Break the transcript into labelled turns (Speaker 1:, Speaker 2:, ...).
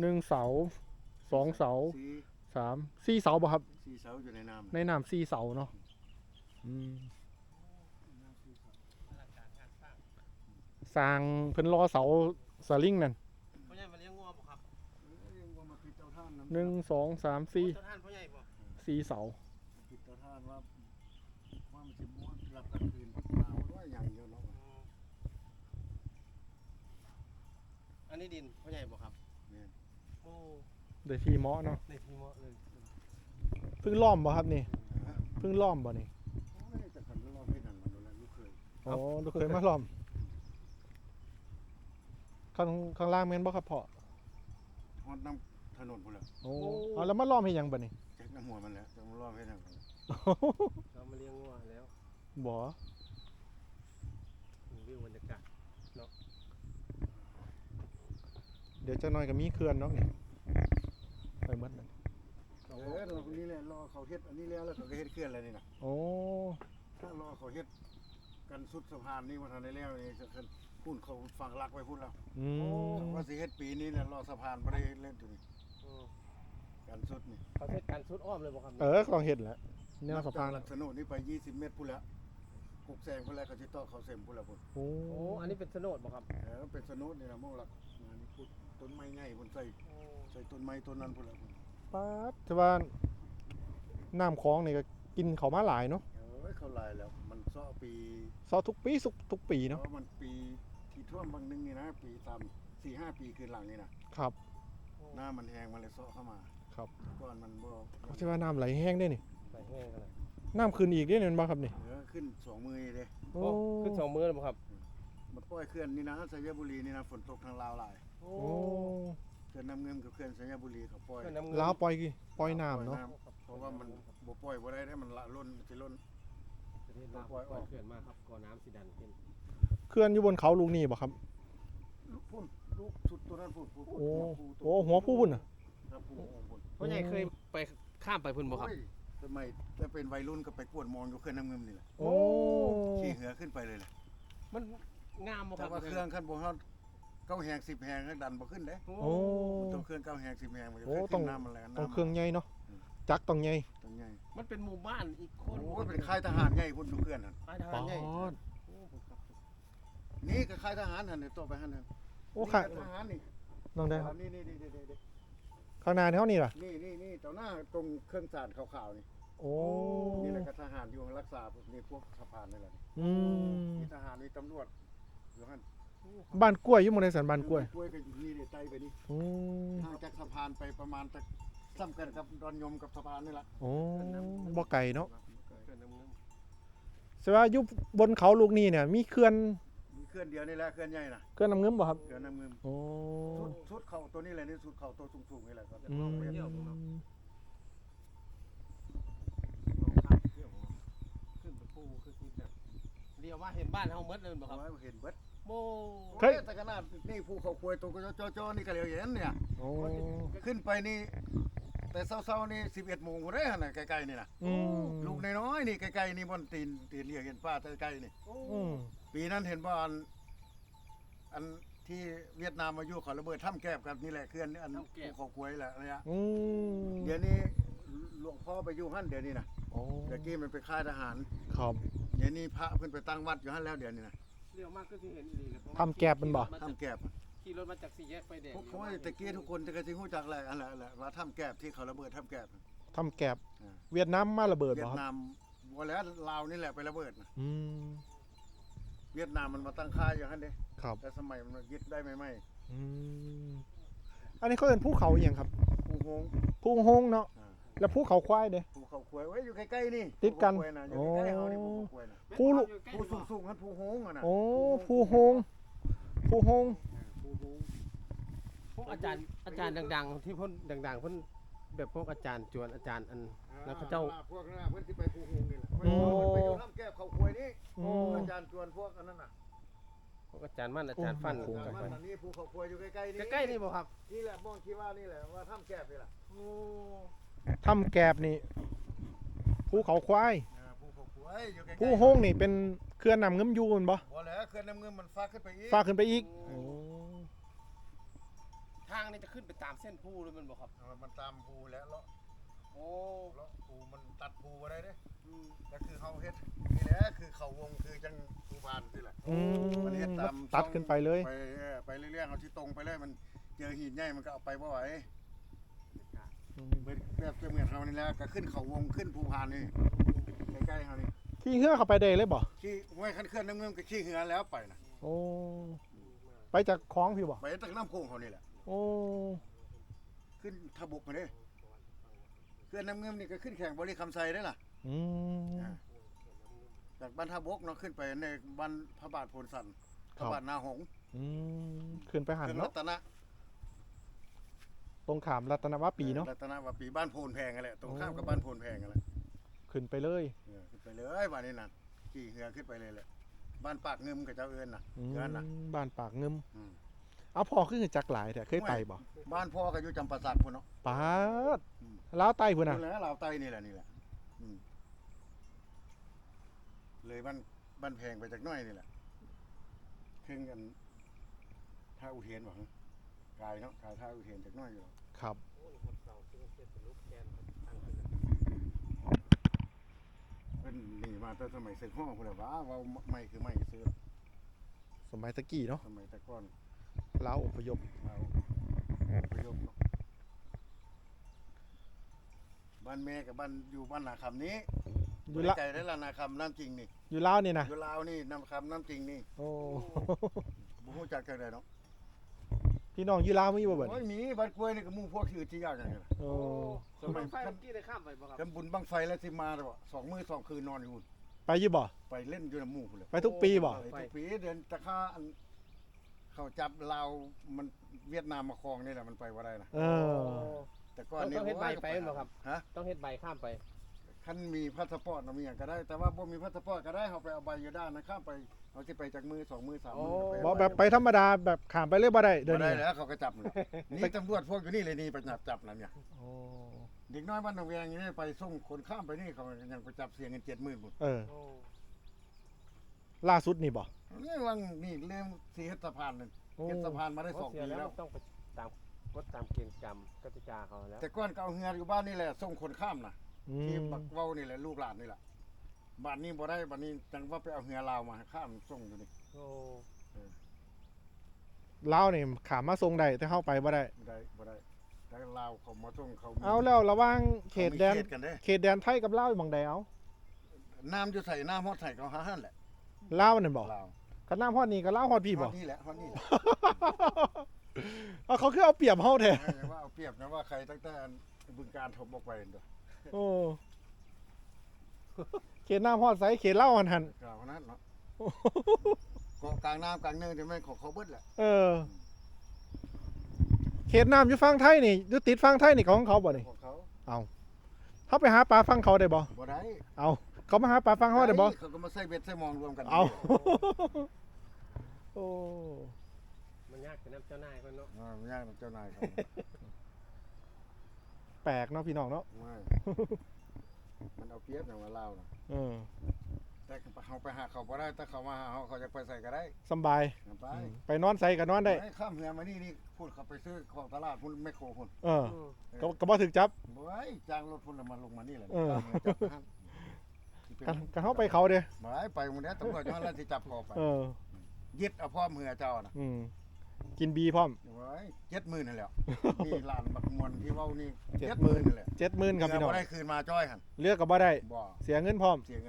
Speaker 1: 1 เสา 2 เสา 3 4 เสาบ่ครับ
Speaker 2: 4 เสาอยู่ในน้ำ
Speaker 1: ในน้ำ4 เสาเนาะสร้างเพิ่นรอเสาสลิงนั่น
Speaker 3: พ่อใหญ่มาเลี้ยงงัวบ่ครับ
Speaker 1: 1 2 3 4
Speaker 3: เจ้าท่านพ่อใหญ่บ่
Speaker 1: 4 เสา
Speaker 2: ปิดเตาถ่านว่ามันสิบ่รับกลางคืนมาว่าอย่างเดียวเนาะ
Speaker 3: อันนี้ดินพ่อใหญ่บ่ครับ
Speaker 2: แม่น
Speaker 3: โอ้
Speaker 1: ได้ที่เหมาะเนาะ
Speaker 3: ในที่เหมาะเลย
Speaker 1: เพิ่งล้อมบ่ครับนี่เพิ่งล้อมบ่นี่
Speaker 2: โอ้ยแต่คันรอบให้นั่นมันโดนแล้วลูกเคย
Speaker 1: อ๋อลูกเคยมาล้อมข้างล่างแม่นบ่ครับพ่อ
Speaker 2: ฮอดน้ำถนนพุ่นแหละ
Speaker 1: โอ้เอาแล้วมาล้อมให้หยังบ่นี่
Speaker 2: แจ็คน้ำหัวมันแหละจะมารอบให้นั่น
Speaker 3: เรามาเลี้ยงงัวแล้ว
Speaker 1: บ่
Speaker 3: วิวบรรยากาศ
Speaker 1: เดี๋ยวจักหน่อยก็มีเขื่อนเนาะนี่ไปหมดนั่น
Speaker 2: เราคนนี้แหละรอเขาเฮ็ดอันนี้แล้วเขาก็เฮ็ดเคลื่อนอะไรนี่นะ
Speaker 1: โอ้
Speaker 2: ถ้ารอเขาเฮ็ดกันสุดสะพานนี่มาทันได้แล้วนี่จะขึ้นพุ่นเขาฝั่งลักไว้พุ่นแล้ว
Speaker 1: อืม
Speaker 2: ว่าสิเฮ็ดปีนี้เนี่ยรอสะพานบ่ได้เล่นตัวนี้กันสุดนี่
Speaker 3: เขาเทศการสุดอ้อมเลยบ่ครับ
Speaker 1: ต้องเฮ็ดแหละแนวสะพาน
Speaker 2: ลักษณะนี่ไป20 เมตรพุ่นแล้วกุกแซงพุ่นแล้วเขาสิต่อเขาเส้นพุ่นแล้วพุ่น
Speaker 1: โอ้
Speaker 3: โอ้อันนี้เป็นโฉนดบ่ครับ
Speaker 2: เป็นสนุนี่นะมองหลักงานนี่พูดต้นไม้ใหญ่พุ่นใส่ต้นไม้ต้นนั้นพุ่นแล้วพุ่น
Speaker 1: ป๊าดแต่ว่าน้ำคลองนี่ก็กินเขามาหลายเนาะ
Speaker 2: เขาลายแล้วมันซ้อปี
Speaker 1: ซอทุกปีทุกปีเนาะ
Speaker 2: เพราะมันปีที่ท่วมบางนึงนี่นะปี4-5 ปีคืนหลังนี่นะครับ หน้ามันแห้งมันเลยซ้อเข้ามา
Speaker 1: ครับ
Speaker 2: ก่อนมันบ่
Speaker 1: แต่ว่าน้ำไหลแห้งได้นี่
Speaker 3: ใส่แห้งกันเลย
Speaker 1: น้ำขึ้นอีกได้เนี่ยบ่ครับนี่
Speaker 2: ขึ้น2 มือเลย
Speaker 1: โอ้
Speaker 3: ขึ้น2 มื้อเลยบ่ครับ
Speaker 2: มันปล่อยเขื่อนนี่นะสยบุรีนี่นะฝนตกทางลาวหลาย
Speaker 3: โอ้
Speaker 1: โอ้
Speaker 2: เขื่อนน้ำเงิมกับเขื่อนสยบุรีเขาปล่อย
Speaker 3: เพื่อนน้ำเงิน
Speaker 1: ลาวปล่อยน้ำเนาะ
Speaker 2: เพราะว่ามันบ่ปล่อยบ่ได้มันละล้นสิล้น
Speaker 3: ประเทศลาวปล่อยเขื่อนมาครับก่อน้ำสิดันขึ้น
Speaker 1: เขื่อนอยู่บนเขาลูกนี่บ่ครับ
Speaker 2: ลูกพุ่นลูกสุดตัวนั้นพุ่น
Speaker 1: โอ้โอ้หัวผู้พุ่นน่ะ
Speaker 2: ครับพุ่น
Speaker 3: พ่อใหญ่เคยไปข้ามไปพุ่นบ่ครับ
Speaker 2: โอ้ยทำไมถ้าเป็นวัยรุ่นก็ไปกวดมองอยู่เครื่องน้ำเงิมนี่แหละ
Speaker 1: โอ้
Speaker 2: ขี่เหือขึ้นไปเลยแหละ
Speaker 3: มันงามบ่ค
Speaker 2: แต่
Speaker 3: รับ
Speaker 2: ว่าเครื่องขั้นบนเขา9 แหง10 แหงก็ดันบ่ขึ้นเด้
Speaker 3: โอ้
Speaker 1: โอ้
Speaker 2: ต้องเครื่อง9 แหง10 แหงมันจะ
Speaker 1: โอ้
Speaker 2: ขึ้นน้ำมันแรง
Speaker 1: ต้องเครื่องใหญ่เนาะจักรต้องใหญ่
Speaker 2: ต้องใหญ่
Speaker 3: มันเป็นหมู่บ้านอีกคน
Speaker 2: โอ้ยเป็นค่ายทหารใหญ่พุ่นอยู่เครื่องนั่น
Speaker 3: ค่ายทหารใหญ่
Speaker 1: ป๊อด
Speaker 3: โอ้ครับ
Speaker 2: นี่ก็ค่ายทหารหั่นนี่ต่อไปหั่นนั่น
Speaker 1: โอ้ค่ะ
Speaker 2: นี่ก็ทหารนี่
Speaker 1: น้องได้ครับ
Speaker 2: นี่
Speaker 1: ข้างหน้าเท่านี้ล่ะ
Speaker 2: นี่ต่อหน้าตรงเครื่องสารขาวๆนี่
Speaker 1: โอ้
Speaker 2: นี่แหละก็ทหารอยู่รักษานี่พวกสะพานนี่แหละ
Speaker 1: อืม
Speaker 2: มีทหารมีตำรวจอยู่หั่น
Speaker 1: บ้านกล้วยอยู่หมู่ใดสันบ้านกล้วย
Speaker 2: กล้วยก็อยู่นี่นี่ไต่ไปนี่
Speaker 1: อืม
Speaker 2: ห่างจากสะพานไปประมาณจากซ้ำกันกับดอนยมกับสะพานนี่แหละ
Speaker 1: โอ้บ่ไกลเนาะ
Speaker 3: เขื่อนน้ำเงิน
Speaker 1: แสดงว่าอยู่บนเขาลูกนี้เนี่ยมีเขื่อน
Speaker 2: มีเคลื่อนเดียวนี่แหละเคลื่อนใหญ่นะ
Speaker 1: เขื่อนน้ำเงิมบ่ครับ
Speaker 2: เคลื่อนน้ำเงิน
Speaker 1: โอ้
Speaker 2: สุดเข่าตัวนี้แหละนี่สุดเข่าตัวสูงๆนี่แหละครับ
Speaker 1: อืม
Speaker 3: ขึ้นไปปูคือที่แบบเรียกว่าเห็นบ้านเฮาหมดเลยบ่ครับ
Speaker 2: เอาไว้เห็นเบิด
Speaker 3: โม
Speaker 1: เฮ้ย
Speaker 2: แต่ขนาดนี่ภูเขาควยตัวก็จ้อๆนี่ก็เหลียวเห็นเนี่ย
Speaker 1: โอ้
Speaker 2: ขึ้นไปนี่ แต่เช้าๆนี่11 โมงบ่ได้หั่นน่ะไกลๆนี่น่ะ
Speaker 1: อืม
Speaker 2: ลูกน้อยๆนี่ไกลๆนี่บนตีนเหลียวเห็นป้าใกล้ๆนี่
Speaker 1: อืม
Speaker 2: ปีนั้นเห็นบ่อันที่เวียดนามมาอยู่เขาระเบิดถ้ำแก้บกันนี่แหละเคลื่อนอันภูเขาควยแหละเนี่ย
Speaker 1: อืม
Speaker 2: เดี๋ยวนี้หลวงพ่อไปอยู่หั่นเดี๋ยวนี้นะ
Speaker 1: โอ้
Speaker 2: เดี๋ยวกี้มันไปค่ายทหาร
Speaker 1: ครับ
Speaker 2: เดี๋ยวนี้พระเพิ่นไปตั้งวัดอยู่หั่นแล้วเดี๋ยวนี้นะ
Speaker 3: เรียกมากก็ที่เห็นดีเลย
Speaker 1: ทำแก็บมันบ่
Speaker 2: ถ้ำแก้บ
Speaker 3: ขี่รถมาจากสี่แยกไฟแดง
Speaker 2: พวกเขาตะกี้ทุกคนจะกระซิงฮู้จักแหละอันแหละว่าถ้ำแก้บที่เขาระเบิดถ้ำแก้บ
Speaker 1: ทำแก็บเวียดนามมาระเบิด
Speaker 2: เวีย
Speaker 1: บ่
Speaker 2: ด
Speaker 1: ครับ
Speaker 2: นามบ่แล้วลาวนี่แหละไประเบิดนะ
Speaker 1: อืม
Speaker 2: เวียดนามมันมาตั้งค่ายอยู่หั่นเด้
Speaker 1: ครับ
Speaker 2: แต่สมัยมันยึดได้ใหม่
Speaker 1: อืมอันนี้เขาเป็นภูเขาอหย่างครับ
Speaker 2: ๆภูโฮง
Speaker 1: ภูหงเนาะ
Speaker 2: อ่า
Speaker 1: แล้วภูเขาควายเด้
Speaker 2: ภูเขาควยไว้อยู่ใกล้ๆนี่
Speaker 1: ติดกัน
Speaker 2: ภูเขาควยะอยู่ใกล้ๆเฮานี่ภูเขาควยน่ะ
Speaker 1: ภูลุ
Speaker 2: ภูสูงๆหั่นภูโฮงอ่ะนะ
Speaker 1: โอ้ภูหงภูหง
Speaker 2: ภูโฮง
Speaker 3: พวกอาจารย์ดังๆที่เพิ่นดังๆเพิ่นแบบพวกอาจารย์จวนอาจารย์อัน แล้วเขาเจ้า
Speaker 2: พวกนั้นน่ะเพิ่นสิไปภูโฮงนี่แหละ
Speaker 1: โอ้
Speaker 2: ไปอยู่ถ้ำแก้บเขาควยนี่
Speaker 1: อืม
Speaker 2: อาจารย์ชวนพวกอันนั้นน่ะ
Speaker 3: พวกอาจารย์มั่นอาจารย์ฟัน
Speaker 1: โอ้
Speaker 2: อาจารย์มันอันนี้ภูเขาควยอยู่ใกล้ๆนี่
Speaker 3: ใกล้ๆนี่บ่ครับ
Speaker 2: นี่แหละมองคิดว่านี่แหละว่าถ้ำแก้บนี่แหละ
Speaker 3: โอ้
Speaker 1: ทำแกบนี่ภูเขาควาย
Speaker 2: ภูเขาควยอยู่ใกล้ๆ
Speaker 1: ภูหงนี่เป็นเขื่อนนำเงิมยูนบ่
Speaker 2: บ่แล้วเขื่อนน้ำเงินมันฟ้าขึ้นไปอีก
Speaker 1: ฟ้าขึ้นไปอีก
Speaker 3: โอ้ทางนี่จะขึ้นไปตามเส้นภูหรือมันบ่ครับ
Speaker 2: มันตามภูแล้วเลาะ
Speaker 3: โอ้
Speaker 2: เลาะภูมันตัดภูบ่ได้เด้แล้วคือเขาเฮ็ดนี่แหละคือเขาวงคือจังภูพานนี่แหละ
Speaker 1: อืม
Speaker 2: มันเฮ็ดตาม
Speaker 1: ตัดขึ้นไปเลย
Speaker 2: ไปเรื่อยๆเอาที่ตรงไปเลยมันเจอหินใหญ่มันก็เอาไปบ่ไหว
Speaker 1: อืม
Speaker 2: แบบเหมือนเขานี่แหละก็ขึ้นเขาวงขึ้นภูพานนี่ใกล้ๆเขานี่
Speaker 1: ขี่เหือเข้าไปได้เลยบ่
Speaker 2: ขี่ห้วยคันเคลื่อนน้ำเมืองก็ขี่เหือแล้วไปนะ
Speaker 1: โอ้ไปจากคลองพี่บ่
Speaker 2: ไปตั้งน้ำโขงเขานี่แหละ
Speaker 1: โอ้
Speaker 2: ขึ้นทบกมาเด้เคลื่อนน้ำเมืองนี่ก็ขึ้นแข่งบริคำไซได้ล่ะ
Speaker 1: อืม
Speaker 2: จากบ้านท่าบกเนาะขึ้นไปในบ้านพระบาทโพนสันพระบาทนาหงส์
Speaker 1: อืมขึ้นไปหัน
Speaker 2: เครื่องรั
Speaker 1: เนาะ
Speaker 2: ตนะ
Speaker 1: ตรงขามรัตนวปีเนาะ
Speaker 2: รัตนวปีบ้านโพนแพงกันแหละตรงข้ามกับบ้านโพนแพงกันแหละ
Speaker 1: ขึ้นไปเลย
Speaker 2: ขึ้นไปเลยบ้านนี้น่ะขี่เหือขึ้นไปเลยแหละบ้านปากเงิมกับเจ้าเอิญน่ะ
Speaker 1: อืม
Speaker 2: เอิญน่ะ
Speaker 1: บ้านปากเงิม
Speaker 2: อืม
Speaker 1: เอาพอขึ้นจักหลายแต่เคยไปบ่
Speaker 2: บ้านพ่อก็อยู่จำปาสักพุ่นเนาะ
Speaker 1: ปาดลาวใต้พุ่นน่ะ
Speaker 2: พุ่นแล้วลาวใต้นี่แหละอืมเลยบ้านแพงไปจากน้อยนี่แหละครึ่งกันท่าอุเทนบ่ฮะกายเนาะกายท่าอุเทนจากน้อยอยู่
Speaker 1: ครับ
Speaker 2: เป็นหนีมาแต่สมัยเสกห้องพุ่นแหละว่าไม่คือไม่ซื้อ
Speaker 1: สมัยตะกี้เนาะ
Speaker 2: สมัยแต่ก่อน
Speaker 1: ลาวอพยพ
Speaker 2: เราไปยกเนาะบ้านแม่กับบ้านอยู่บ้านนาคำนี้
Speaker 1: อยู่ละ
Speaker 2: ไกลได้ละนาคำน้ำจริงนี่
Speaker 1: อยู่ลาวนี่นะ
Speaker 2: อยู่ลาวนี่น้ำคำน้ำจริงนี่
Speaker 1: โอ้
Speaker 2: บุหูจักกันเลยเนาะ
Speaker 1: พี่น้องอยู่ลาวมีบ่เบิ่น
Speaker 2: โอ้ยมีบ้านกล้วยนี่ก็หมู่พวกชื่อที่ยากกันเลย
Speaker 1: โอ้
Speaker 2: สมัย
Speaker 3: ไฟเมื่อกี้ได้ข้ามไปบ่ครับ
Speaker 2: กันบุญบังไฟแล้วสิมาเลยบ่2 มื้อ 2 คืนนอนอยู่
Speaker 1: ไปอยู่บ่
Speaker 2: ไปเล่นอยู่ในหมู่พุ่นเลย
Speaker 1: ไปทุกปีบ่
Speaker 2: ไปทุกปีเดือนตะค่าอันเขาจับลาวมันเวียดนามมาครองนี่แหละมันไปว่าได้นะ
Speaker 1: เออ
Speaker 2: แต่ก่อนนี่
Speaker 3: ต้องเฮ็ดใบไปบ่ครับ
Speaker 2: ฮะ
Speaker 3: ต้องเฮ็ดใบข้ามไป
Speaker 2: คันมีพาสปอร์ตเอามีอย่างก็ได้ แต่ว่าบ่มีพาสปอร์ตก็ได้เอาไปเอาใบอยู่ด้านนะข้ามไปเอาสิไปจากมือ2 มือ 3 มือไป
Speaker 1: บ่แบบไปธรรมดาแบบข้ามไปเลยบ่ได้เดี๋ยว
Speaker 2: บ่ได้
Speaker 1: นี้
Speaker 2: แล้วเขาก็จับเลยนี่ตำรวจพวกอยู่นี่เลยนี่ไปจับนั่นเนี่ย
Speaker 1: โอ้
Speaker 2: เด็กน้อยบ้านหนองแวงนี่ไปส่งคนข้ามไปนี่เขายังไปจับเสียเงิน70,000พุ่น
Speaker 1: เออล่าสุดนี่บ่
Speaker 2: นี่วังนี่เรื่องสีเฮ็ดสะพานนั่น
Speaker 1: โอ้
Speaker 2: เฮ็ดสะพานมาได้
Speaker 3: เพราะ
Speaker 2: 2
Speaker 3: เสีย
Speaker 2: ปี
Speaker 3: แล้ว
Speaker 2: แล้ว
Speaker 3: ต้องไปตามกฎตามเกณฑ์กรรมกติกาเขาแล้ว
Speaker 2: แต่ก่อนก็เอาเฮืออยู่บ้านนี่แหละส่งคนข้ามน่ะ
Speaker 1: อื
Speaker 2: ที่
Speaker 1: ม
Speaker 2: บักเว้านี่แหละลูกหลานนี่แหละบ้านนี้บ่ได้บ้านนี้จังว่าไปเอาเฮือลาวมาข้ามส่งอยู่นี่
Speaker 3: โอ้
Speaker 1: ลาวนี่ข้ามมาส่งได้แต่เข้าไปบ่ได้
Speaker 2: บ่ได้แต่ลาวเขามาส่งเขามี
Speaker 1: เอาแล้วระหว่างเขตแดน
Speaker 2: ขามีกันเด้
Speaker 1: เขตแดนไทยกับลาวอยู่หม่องใดเอา
Speaker 2: น้ำอยู่ใส่น้ำฮอดใส่เขาหาหั่นแหละ
Speaker 1: ลาวนั่นบ่
Speaker 2: ลาว
Speaker 1: คันน้ำฮอดนี่ก็ลาวฮอดพี่บ่
Speaker 2: ฮอดนี่แหละฮอดนี่แหละ
Speaker 1: เอาเขาคือเอาเปรียบเฮาแท้
Speaker 2: ไม่ว่าเอาเปรียบนะว่าใครตั้งแต่บึงการถมออกไปเด้อ
Speaker 1: โอ้เขตน้ำฮอดไสเขตลาวหัน
Speaker 2: กล่าวนั้นเนาะเกาะกลางน้ำกลางเนินที่แม่นของเขาเบิดแหละ
Speaker 1: เออ เขตน้ำอยู่ฝั่งไทยนี่อยู่ติดฝั่งไทยนี่ของเขาบ่นี่
Speaker 2: ของเขา
Speaker 1: เขาไปหาปลาฝั่งเขาได้บ่
Speaker 2: บ่ได้
Speaker 1: เอาเขามาหาปลาฝั่งเขาได้บ่
Speaker 2: เขาก็มาใส่เบ็ดใส่มองรวมกัน
Speaker 1: เอา โอ้
Speaker 3: มันยากแต่น้ำเจ้านายเพิ่นเนาะ
Speaker 2: ไม่ยากนะเจ้านายเขา
Speaker 1: แปลกเนาะพี่น้องเนาะ
Speaker 2: ไม่มันเอาเปรียบอย่างว่าลาวนะ
Speaker 1: เออ
Speaker 2: แต่เขาไปหาเขาบ่ได้ถ้าเขามาหาเขาจะไปใส่ก็ได้
Speaker 1: สำบาย
Speaker 2: ไป
Speaker 1: ไปนอนใส่ก็นอนได้
Speaker 2: ไอ้ข้ามเหือมานี่พูดเขาไปซื้อของตลาดพุ่นแมคโครพุ่น
Speaker 1: เออก็บ่ถึกจับ
Speaker 2: บ่ไอ้จ้างรถพุ่นแล้วมาลงมานี่แหละ
Speaker 1: เออ
Speaker 2: จับหัน
Speaker 1: กันเฮาไปเขาเด้
Speaker 2: บ่ไอ้ไปหมื้อนี้ตำรวจย้อนแล้วสิจับคอไป
Speaker 1: เออ
Speaker 2: ยึดเอาพ่อเหือเจ้าน่ะ
Speaker 1: อืมกินบีพร้อม
Speaker 2: บ่ไอ้70,000นั่นแหละนี่ลานบักมวนที่เว้านี่
Speaker 1: 70,000
Speaker 2: 70,000นั่นแหละ
Speaker 1: 70,000ครับพี่น้อง
Speaker 2: บ่ได้คืนมาจ้อยหั่น
Speaker 1: เลือกก็บ่ได้
Speaker 2: บ่
Speaker 1: เสียเงินพร้อม
Speaker 2: เสียเงิน